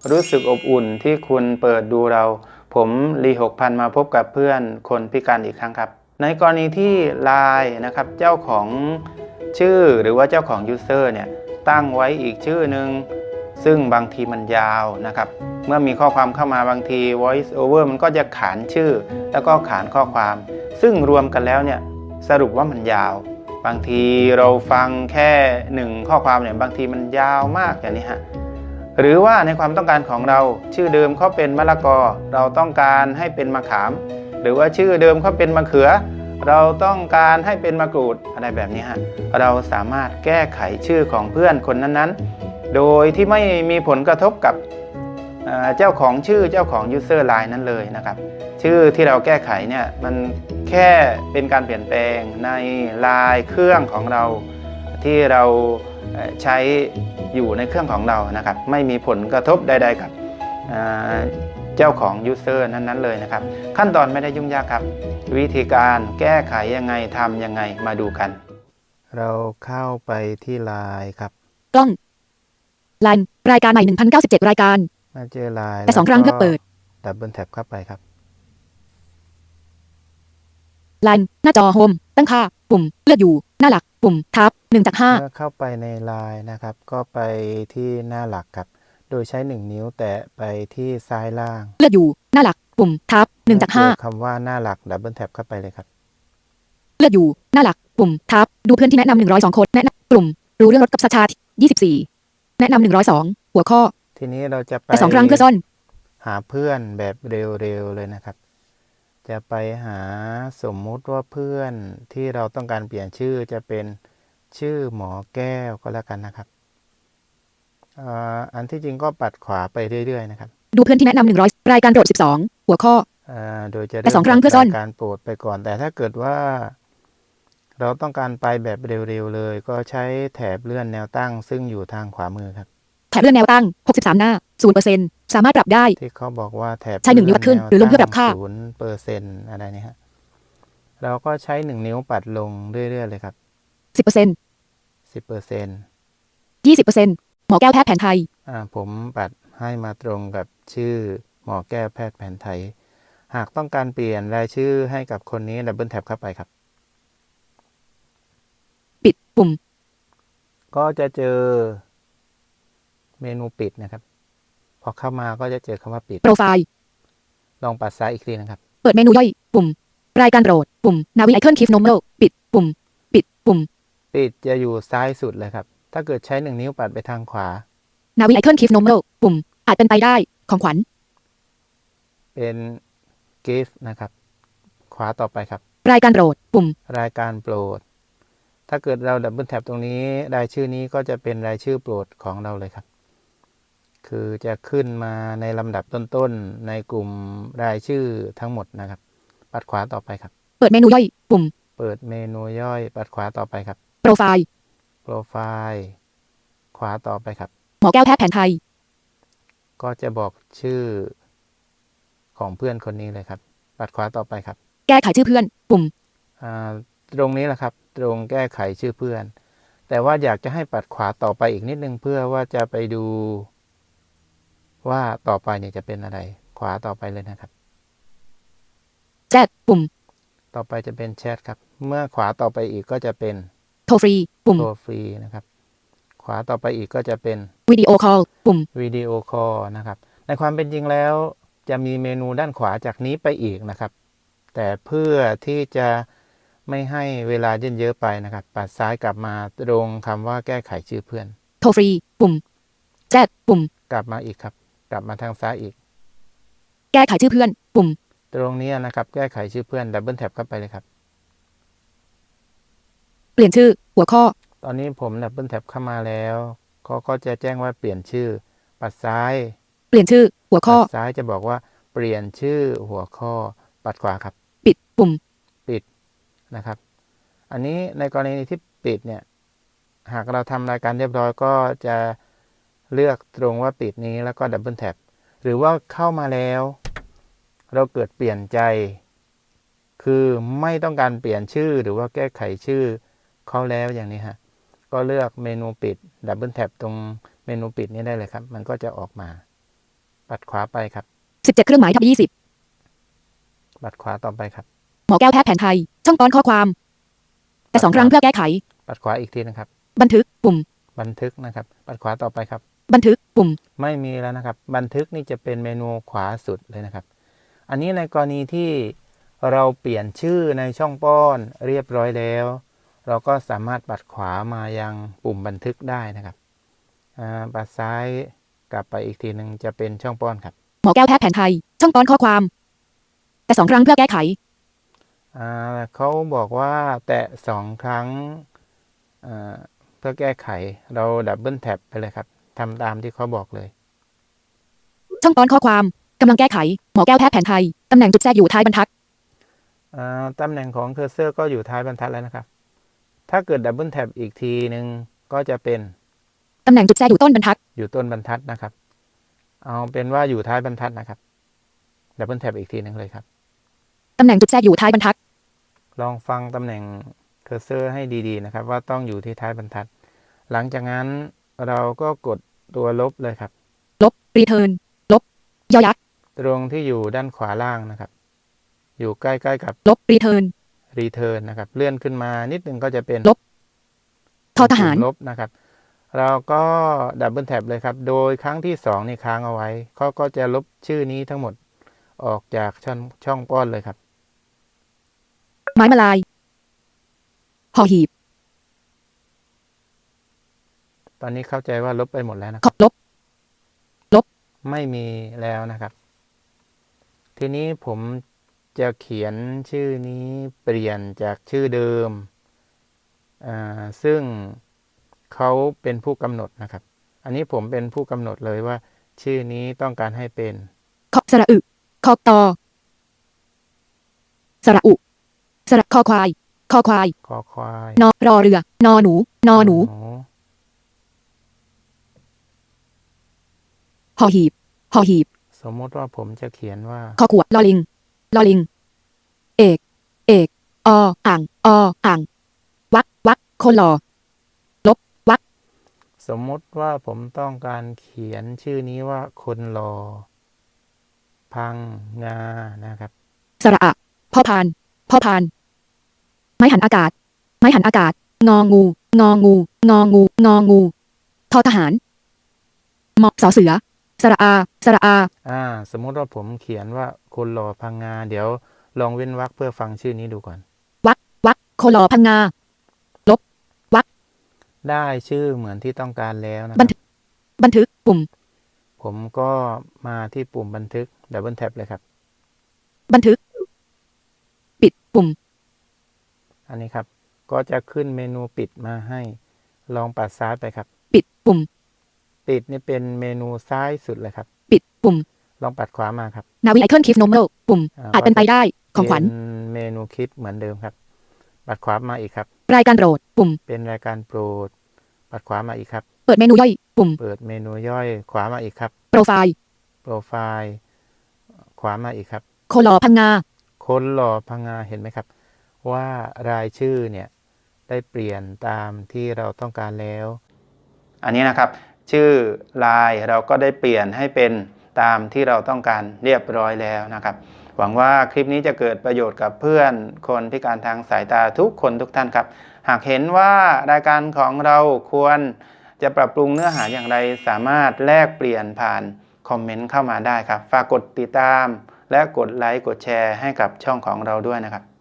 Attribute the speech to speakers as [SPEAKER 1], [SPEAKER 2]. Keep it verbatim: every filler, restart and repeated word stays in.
[SPEAKER 1] รู้สึกอบอุ่นที่คุณเปิดดูเราผมลีหกพันมาพบกับเพื่อนคนพิการอีกครั้งครับในกรณีที่ ไลน์ นะครับเจ้าของชื่อหรือว่าเจ้าของยูเซอร์เนี่ยตั้งไว้อีกชื่อหนึ่งซึ่งบางทีมันยาวนะครับเมื่อมีข้อความเข้ามาบางที voice over มันก็จะขานชื่อแล้วก็ขานข้อความซึ่งรวมกันแล้วเนี่ยสรุปว่ามันยาวบางทีเราฟังแค่หนึ่งข้อความเนี่ยบางทีมันยาวมากอย่างนี้ฮะหรือว่าในความต้องการของเราชื่อเดิมเขาเป็นมะละกอเราต้องการให้เป็นมะขามหรือว่าชื่อเดิมเขาเป็นมะเขือเราต้องการให้เป็นมะกรูดอะไรแบบนี้ฮะเราสามารถแก้ไขชื่อของเพื่อนคนนั้นๆโดยที่ไม่มีผลกระทบกับเจ้าของชื่อเจ้าของ user ไลน์ นั้นเลยนะครับชื่อที่เราแก้ไขเนี่ยมันแค่เป็นการเปลี่ยนแปลงในไลน์เครื่องของเราที่เราใช้อยู่ในเครื่องของเรานะครับไม่มีผลกระทบใดๆกับเจ้าของ user นั้นๆเลยนะครับขั้นตอนไม่ได้ยุ่งยากครับวิธีการแก้ไขยังไงทำยังไงมาดูกันเราเข้าไปที่ไลน์ครับ
[SPEAKER 2] กล้องไลน์รายการใหม่หนึ่งพันเก้าสิบเจ็ดรายการ
[SPEAKER 1] มาเจอไลน์
[SPEAKER 2] แต่สองครั้งเพื่อเปิด
[SPEAKER 1] ดับเบิลแท็บเข้าไปครับ
[SPEAKER 2] ไลน์หน้าจอโฮมตั้งค่าปุ่มเลือกอยู่หน้าหลักปุ่มทับหนึ่งจากห้า
[SPEAKER 1] เมื่อเข้าไปในไลน์นะครับก็ไปที่หน้าหลักครับโดยใช้หนึ่งนิ้วแตะไปที่ซ้ายล่าง
[SPEAKER 2] เลือกอยู่หน้าหลักปุ่มทับหนึ่งจากห้า
[SPEAKER 1] คำว่าหน้าหลักดับเบิลแท็บเข้าไปเลยครับ
[SPEAKER 2] เลือกอยู่หน้าหลักปุ่มทับดูเพื่อนที่แนะนำหนึ่งร้อยสองคนแนะนำกลุ่มรู้เรื่องรถกับสชาติยี่สิบสี่แนะนำหนึ่งร้อยสองหัวข้อ
[SPEAKER 1] ทีนี้เราจะไป
[SPEAKER 2] แต่สองครั้งเพื่อซ่อน
[SPEAKER 1] หาเพื่อนแบบเร็วๆเลยนะครับจะไปหาสมมุติว่าเพื่อนที่เราต้องการเปลี่ยนชื่อจะเป็นชื่อหมอแก้วก็แล้วกันนะครับอันที่จริงก็ปัดขวาไปเรื่อยๆนะครับ
[SPEAKER 2] ดูเพื่อนที่แนะนำหนึ่งร้อยรายการโปรดสิบสองหัวข้อ
[SPEAKER 1] โดยจะ
[SPEAKER 2] แต่สองครั้งเพื่อซ่อน
[SPEAKER 1] การโปรดไปก่อนแต่ถ้าเกิดว่าเราต้องการไปแบบเร็วๆเลยก็ใช้แถบเลื่อนแนวตั้งซึ่งอยู่ทางขวามือครับ
[SPEAKER 2] แถบเลื่อนแนวตั้งหกสิบสามหน้า ศูนย์เปอร์เซ็นต์ สามารถปรับได้
[SPEAKER 1] ที่เขาบอกว่าแถบ
[SPEAKER 2] ใช้หนึ่งนิ้วปัดขึ้นหรือลงเพื่อปรับค่า
[SPEAKER 1] ศูนย์เปอร์เซ็นต์ อะไรนี่ฮะเราก็ใช้หนึ่งนิ้วปัดลงเรื่อยๆเลยครับ
[SPEAKER 2] สิบเปอร์เซ็นต์
[SPEAKER 1] สิบเปอร์เซ็นต์
[SPEAKER 2] ยี่สิบเปอร์เซ็นต์ หมอแก้วแพทย์แผนไทย
[SPEAKER 1] อ่าผมปัดให้มาตรงกับชื่อหมอแก้วแพทย์แผนไทยหากต้องการเปลี่ยนรายชื่อให้กับคนนี้ดับเบิลแท็บเข้าไปครับ
[SPEAKER 2] ปิดปุ่ม
[SPEAKER 1] ก็จะเจอเมนูปิดนะครับพอเข้ามาก็จะเจอคำว่าปิด
[SPEAKER 2] โปรไฟล์
[SPEAKER 1] ลองปัดซ้ายอีกทีนะครับ
[SPEAKER 2] เปิดเมนูย่อยปุ่มรายการโปรดปุ่มนาวิไอคอนคิฟโนเมลปิดปุ่มปิดปุ่ม
[SPEAKER 1] ปิดจะอยู่ซ้ายสุดเลยครับถ้าเกิดใช้หนึ่งนิ้วปัดไปทางขวา
[SPEAKER 2] นาวิไอคอนคิฟโนเมลปุ่มอาจเป็นไปได้ของขวัญ
[SPEAKER 1] เป็นกิฟต์นะครับขวาต่อไปครับ
[SPEAKER 2] รายการโปรดปุ่ม
[SPEAKER 1] รายการโปรดถ้าเกิดเราดับเบิลแท็บตรงนี้รายชื่อนี้ก็จะเป็นรายชื่อโปรดของเราเลยครับคือจะขึ้นมาในลำดับต้นๆในกลุ่มรายชื่อทั้งหมดนะครับปัดขวาต่อไปครับ
[SPEAKER 2] เปิดเมนูย่อยปุ่ม
[SPEAKER 1] เปิดเมนูย่อยปัดขวาต่อไปครับ
[SPEAKER 2] โปรไฟล์
[SPEAKER 1] โปรไฟล์ขวาต่อไปครับ
[SPEAKER 2] หมอแก้วแพทย์แผนไทย
[SPEAKER 1] ก็จะบอกชื่อของเพื่อนคนนี้เลยครับปัดขวาต่อไปครับ
[SPEAKER 2] แก้ไขชื่อเพื่อนปุ่ม
[SPEAKER 1] ตรงนี้แหละครับตรงแก้ไขชื่อเพื่อนแต่ว่าอยากจะให้ปัดขวาต่อไปอีกนิดนึงเพื่อว่าจะไปดูว่าต่อไปเนี่ยจะเป็นอะไรขวาต่อไปเลยนะครับ
[SPEAKER 2] แชทปุ่ม
[SPEAKER 1] ต่อไปจะเป็นแชทครับเมื่อขวาต่อไปอีกก็จะเป็น
[SPEAKER 2] โทรฟรีปุ่ม
[SPEAKER 1] โทรฟรีนะครับขวาต่อไปอีกก็จะเป็น
[SPEAKER 2] วิดีโอคอลปุ่ม
[SPEAKER 1] วิดีโอคอลนะครับในความเป็นจริงแล้วจะมีเมนูด้านขวาจากนี้ไปอีกนะครับแต่เพื่อที่จะไม่ให้เวลาเยินเยอะไปนะครับปัดซ้ายกลับมาตรงคำว่าแก้ไขชื่อเพื่อน
[SPEAKER 2] โทรฟรีปุ่มแชทปุ่ม
[SPEAKER 1] กลับมาอีกครับกลับมาทางซ้ายอีก
[SPEAKER 2] แก้ไขชื่อเพื่อนปุ่ม
[SPEAKER 1] ตรงนี้นะครับแก้ไขชื่อเพื่อนดับเบิลแท็บเข้าไปเลยครับ
[SPEAKER 2] เปลี่ยนชื่อหัวข้อ
[SPEAKER 1] ตอนนี้ผมดับเบิลแท็บเข้ามาแล้วเขาก็จะแจ้งว่าเปลี่ยนชื่อปัดซ้าย
[SPEAKER 2] เปลี่ยนชื่อหัวข้อ
[SPEAKER 1] ปัดซ้ายจะบอกว่าเปลี่ยนชื่อหัวข้อปัดขวาครับ
[SPEAKER 2] ปิดปุ่ม
[SPEAKER 1] ปิดนะครับอันนี้ในกรณีที่ปิดเนี่ยหากเราทำรายการเรียบร้อยก็จะเลือกตรงว่าปิดนี้แล้วก็ดับเบิลแท็บหรือว่าเข้ามาแล้วเราเกิดเปลี่ยนใจคือไม่ต้องการเปลี่ยนชื่อหรือว่าแก้ไขชื่อเขาแล้วอย่างนี้ฮะก็เลือกเมนูปิดดับเบิลแท็บตรงเมนูปิดนี้ได้เลยครับมันก็จะออกมาปัดขวาไปครับ
[SPEAKER 2] สิบเจ็ด เครื่องหมายทับยี่สิบ
[SPEAKER 1] ปัดขวาต่อไปครับ
[SPEAKER 2] หมอแก้วแพทย์แผนไทย ช่องตอนข้อความ แต่สองครั้งเพื่อแก้ไข
[SPEAKER 1] ปัดขวาอีกทีนะครับ
[SPEAKER 2] บันทึก ปุ่ม
[SPEAKER 1] บันทึกนะครับ ปัดขวาต่อไปครับ
[SPEAKER 2] บันทึก ปุ่ม
[SPEAKER 1] ไม่มีแล้วนะครับ บันทึกนี่จะเป็นเมนูขวาสุดเลยนะครับ อันนี้ในกรณีที่เราเปลี่ยนชื่อในช่องป้อนเรียบร้อยแล้ว เราก็สามารถปัดขวามายังปุ่มบันทึกได้นะครับปัดซ้ายกลับไปอีกทีหนึ่งจะเป็นช่องป้อนครับ
[SPEAKER 2] หมอแก้วแพทย์แผนไทย ช่องตอนข้อความ แต่สองครั้งเพื่อแก้ไข
[SPEAKER 1] อ่าเขาบอกว่าแตะสองครั้งเพื่อแก้ไขเราดับเบิลแท็บไปเลยครับทำตามที่เขาบอกเลย
[SPEAKER 2] ช่องตอนข้อความกำลังแก้ไขหมอแก้วแพทย์แผนไทยตำแหน่งจุดแทรกอยู่ท้ายบรรทัด
[SPEAKER 1] ตำแหน่งของเคอร์เซอร์ก็อยู่ท้ายบรรทัดแล้วนะครับถ้าเกิดดับเบิลแท็บอีกทีหนึ่งก็จะเป็น
[SPEAKER 2] ตำแหน่งจุดแทรกอยู่ต้นบรรทัด
[SPEAKER 1] อยู่ต้นบรรทัดนะครับเอาเป็นว่าอยู่ท้ายบรรทัดนะครับดับเบิลแท็บอีกทีหนึ่งเลยครับ
[SPEAKER 2] ตำแหน่งจุดแทรกอยู่ท้ายบรรทัด
[SPEAKER 1] ลองฟังตำแหน่งเคอร์เซอร์ให้ดีๆนะครับว่าต้องอยู่ที่ท้ายบรรทัดหลังจากนั้นเราก็กดตัวลบเลยครับ
[SPEAKER 2] ลบ return ลบยอยักษ์
[SPEAKER 1] ตรงที่อยู่ด้านขวาล่างนะครับอยู่ใกล้ๆกับ
[SPEAKER 2] ลบ return
[SPEAKER 1] return นะครับเลื่อนขึ้นมานิดนึงก็จะเป็น
[SPEAKER 2] ลบทอทหาร
[SPEAKER 1] ลบนะครับเราก็ดับเบิลแท็บเลยครับโดยครั้งที่สองนี่ค้างเอาไว้เขาก็จะลบชื่อนี้ทั้งหมดออกจากช่องช่องป้อนเลยครับ
[SPEAKER 2] ไม้มาลายหอหีบ
[SPEAKER 1] ตอนนี้เข้าใจว่าลบไปหมดแล้วนะครับ
[SPEAKER 2] ลบลบ
[SPEAKER 1] ไม่มีแล้วนะครับทีนี้ผมจะเขียนชื่อนี้เปลี่ยนจากชื่อเดิมอ่าซึ่งเขาเป็นผู้กำหนดนะครับอันนี้ผมเป็นผู้กำหนดเลยว่าชื่อนี้ต้องการให้เป็น
[SPEAKER 2] ขอสระอึคอตอสระอุสระคอควายคอควาย
[SPEAKER 1] คอควาย
[SPEAKER 2] นอรอเรือนอหนูนอหนูหอหีบหอหีบ
[SPEAKER 1] สมมติว่าผมจะเขียนว่า
[SPEAKER 2] คอขวดลอลิงลอลิงเอกเอกออ่างออ่างวักวักคนหล่อลบวัก
[SPEAKER 1] สมมติว่าผมต้องการเขียนชื่อนี้ว่าคนหล่อพังงานะครับ
[SPEAKER 2] สระอะพ่อพานพ่อพานไม้หันอากาศไม้หันอากาศงองูงองูงองูงองูทอทหารมอสอเสือสระอาสระอา
[SPEAKER 1] อ่าสมมติว่าผมเขียนว่าคนหล่อพังงาเดี๋ยวลองเว้นวรรคเพื่อฟังชื่อนี้ดูก่อน
[SPEAKER 2] วักวักคนหล่อพังงาลบวัก
[SPEAKER 1] ได้ชื่อเหมือนที่ต้องการแล้วนะ
[SPEAKER 2] บันทึกบันทึกปุ่ม
[SPEAKER 1] ผมก็มาที่ปุ่มบันทึกดับเบิลแท็บเลยครับ
[SPEAKER 2] บันทึกปิดปุ่ม
[SPEAKER 1] อันนี้ครับก็จะขึ้นเมนูปิดมาให้ลองปัดซ้ายไปครับ
[SPEAKER 2] ปิดปุ่ม
[SPEAKER 1] ปิดนี่เป็นเมนูซ้ายสุดเลยครับ
[SPEAKER 2] ปิดปุ่ม
[SPEAKER 1] ลองปัดขวามาครับ
[SPEAKER 2] นาวิไอคอนคลิปโนเมลปุ่มอาจเป็นไปได้ของขวัญ
[SPEAKER 1] เมนูคลิปเหมือนเดิมครับปัดขวามาอีกครับ
[SPEAKER 2] รายการโปรดปุ่ม
[SPEAKER 1] เป็นรายการโปรดปัดขวามาอีกครับ
[SPEAKER 2] เปิดเมนูย่อยปุ่ม
[SPEAKER 1] เปิดเมนูย่อยขวามาอีกครับ
[SPEAKER 2] โปรไฟล์
[SPEAKER 1] โปรไฟล์ขวามาอีกครับ
[SPEAKER 2] คนหล่อพังงา
[SPEAKER 1] คนหล่อพังงาเห็นไหมครับว่ารายชื่อเนี่ยได้เปลี่ยนตามที่เราต้องการแล้วอันนี้นะครับชื่อไลน์เราก็ได้เปลี่ยนให้เป็นตามที่เราต้องการเรียบร้อยแล้วนะครับหวังว่าคลิปนี้จะเกิดประโยชน์กับเพื่อนคนพิการทางสายตาทุกคนทุกท่านครับหากเห็นว่ารายการของเราควรจะปรับปรุงเนื้อหาอย่างไรสามารถแลกเปลี่ยนผ่านคอมเมนต์เข้ามาได้ครับฝากกดติดตามและกดไลค์กดแชร์ให้กับช่องของเราด้วยนะครับ